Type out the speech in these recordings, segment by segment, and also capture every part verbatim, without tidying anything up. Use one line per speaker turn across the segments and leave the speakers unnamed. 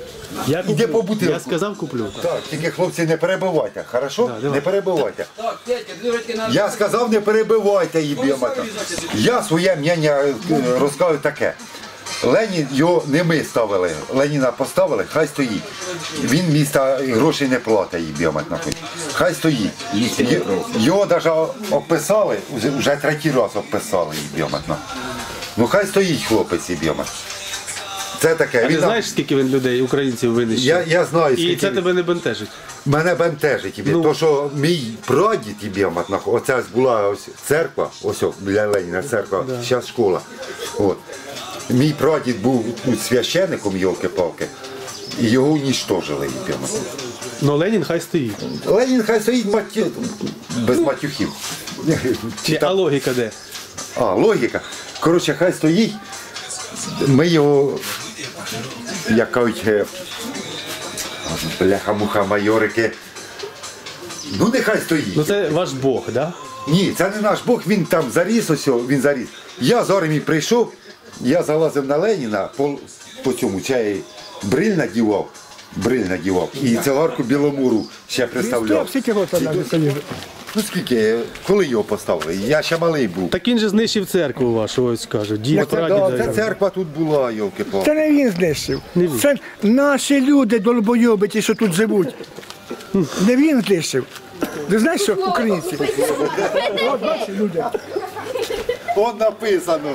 Я,
Іди по
куплю.
бутилку.
Я сказав, куплю.
Так, тільки хлопці не перебивайте, хорошо?
Да, давай.
Не перебивайте.
Так, Петя, дивіться на...
Я сказав, не перебивайте її, біомета. Я своє мнення е, розказую таке. Ленін, його не ми ставили, Леніна поставили, хай стоїть. Він міста грошей не платить їй, біомет нахуй. Хай стоїть. Й- Його навіть описали, вже- вже третій раз описали її, біомет нахуй. Ну хай стоїть хлопець і біомет. Це таке.
А ти
Він-
знаєш, скільки він людей, українців винищив?
Я, я знаю,
І
скільки...
це тебе не бентежить.
Мене бентежить тобі,
Ну.
то що мій прадід і біомат, оце ось була ось церква, ось о, біля Леніна церква, зараз школа. От. Мій прадід був тут священником, йолки-палки, і його унічтожили і біомат.
Ну Ленін хай стоїть.
Ленін хай стоїть матю... без матюхів. Чи
А
там-
логіка де?
А, логіка. Коротше, хай стоїть, ми його, як кажуть, е, бляха-муха майорики, ну нехай стоїть.
Ну це ваш Бог, так? Да?
Ні, це не наш Бог, він там заріс, ось, о, він заріс. Я з армії прийшов, я залазив на Леніна, по, по цьому чай бриль надівав, бриль надівав, і цигарку Біломуру ще представляв.
Скільки років нам стоїть?
Ну скільки, коли його поставили? Я ще малий був.
Так він же знищив церкву вашу, ось кажуть. Дід,
Оце, да,
прадід.
це церква тут була, йолки-палки.
Це не він знищив.
Не він.
Це наші люди долбойоби, ті, що тут живуть. Не він знищив. Ти знаєш, що українці? От бачиш, люди.
Вон написано.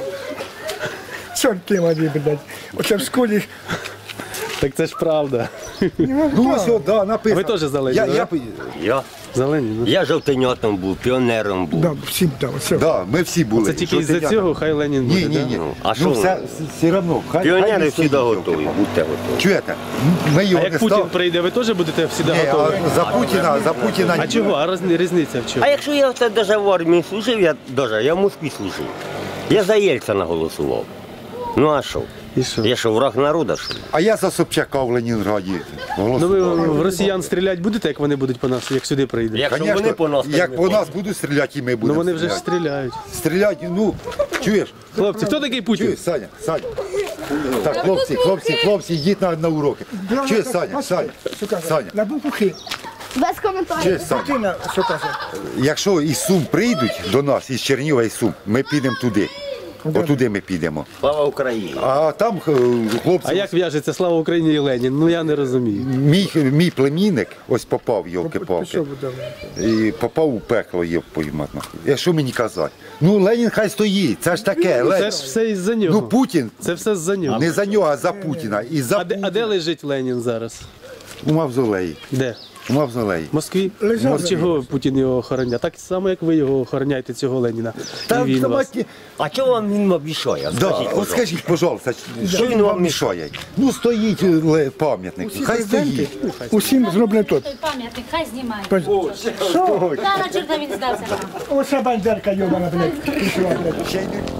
Чорти мої, блядь. Оце в школі.
Так це ж правда.
Ну ось, о, да, написано.
Ви теж за Леніна,
Я, я,
Я,
За Леніна.
я жовтенятом був, піонером був.
Да, всім там, все.
да, ми всі були.
Це тільки
Що
із-за
ти-
цього хай Ленін буде,
Ні, ні, ні.
Ну, а
ну,
що
все, все одно, хай, хай
Піонери
він
завжди
стоїть,
готові, будьте готові.
Чуєте? Ми
А
його не
як Путін
став...
прийде, ви теж будете всі
Ні,
готові?
а за Путіна, за Путіна...
А чого? А роз- різниця в чому?
А якщо я це даже в армії служив, я даже, я в Москві служив. Я за Єльцина голосував. Ну а що?
І що?
Я що, враг народу, що ли?
А я за Собчака в Ленінграді
Ну ви
голосував.
в росіян стріляти будете, як вони будуть по нас, як сюди прийдуть?
Якщо
Конечно,
вони по нас,
як
то
по
ми
нас будуть стріляти, і ми
Ну
будемо
вони вже ж
стріляти.
стріляють.
Стріляють, ну, чуєш?
Хлопці, хто такий Путін?
Чуєш, Саня, Саня. Так, хлопці, хлопці, хлопці, йдіть на, на уроки. Чуєш, Саня, Саня, Саня,
На букву Х.
Без коментарів.
чуєш, Саня.
Тина, що каже?
Якщо із Сум прийдуть до нас, із Чернігова і Сум, ми підемо туди. Отуди ми підемо.
Слава Україні!
А там е, хлопці,
А як в'яжеться слава Україні і Ленін? Ну я не розумію.
мій, мій племінник ось попав, йолки-палки.
Що буде?
І попав у пекло, є поймат нахуй. А що мені казати? Ну, Ленін хай стоїть, це ж таке.
Це
Ленін.
ж все із-за нього.
Ну, Путін,
Це все з-за нього.
не за нього, а за Путіна. І за
А де, а де лежить Ленін зараз?
У мавзолеї.
Де?
У мавзолеї.
В Москві?
Лежав.
Ну, чого Путін його охороняє? Так само, як ви його охороняєте, цього Леніна.
Та,
І він
та,
вас.
мать,
А чого вам він мішає?
да,
Скажіть,
от
пожалуйста.
скажіть, пожалуйста, що він вам мішає? Ну, стоїть ле- пам'ятник, хай стоїть.
Усім зроблено тут.
Той пам'ятник, хай знімає.
Що?
Та на черта він здався нам.
Оце бандерка йобана, блядь. Пішла, блядь.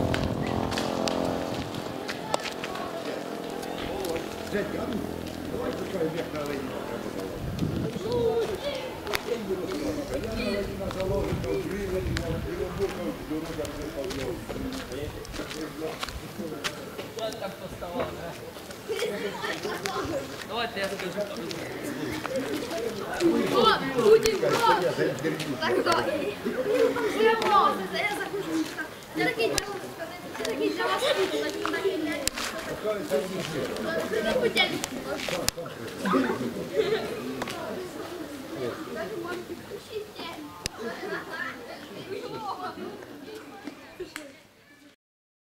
Путін, так, так. Я просто, я захочу. Я такий, я такий для вас Путін. Путін.